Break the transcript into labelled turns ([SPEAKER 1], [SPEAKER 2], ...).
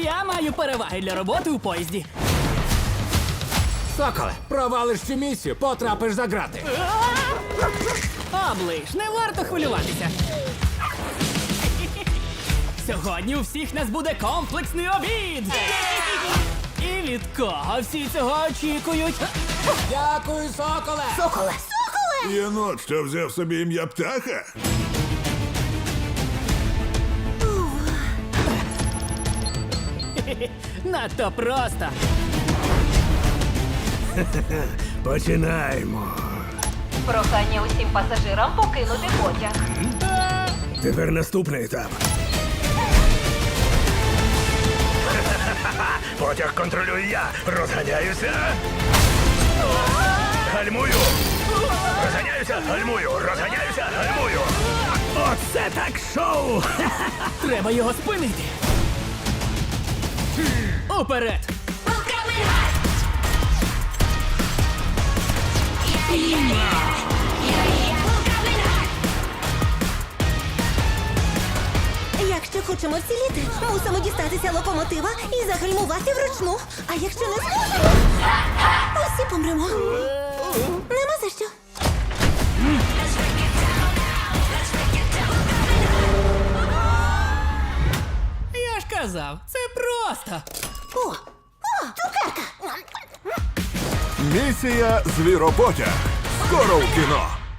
[SPEAKER 1] Я маю переваги для роботи у поїзді.
[SPEAKER 2] Соколе, провалиш цю місію, потрапиш за грати.
[SPEAKER 1] Оближ, не варто хвилюватися. Сьогодні у всіх нас буде комплексний обід. І від кого всі цього очікують?
[SPEAKER 2] Дякую, соколе!
[SPEAKER 3] Соколе!
[SPEAKER 4] Єнот, що взяв собі ім'я птаха?
[SPEAKER 1] Надто просто.
[SPEAKER 5] Починаємо.
[SPEAKER 3] Прохання усім пасажирам покинути потяг.
[SPEAKER 5] Тепер наступний етап. Потяг контролюю я. Розганяюся. Гальмую. Розганяюся, гальмую. Розганяюся, гальмую. Оце так шоу!
[SPEAKER 1] Треба його спинити. Уперед!
[SPEAKER 6] Якщо хочемо вціліти, мусимо дістатися локомотива і загальмувати вручну. А якщо не зможемо, усі помремо. Нема за що.
[SPEAKER 1] Я ж казав, це просто.
[SPEAKER 6] О, цукерка!
[SPEAKER 4] Місія Звіропотяг. Скоро в кіно.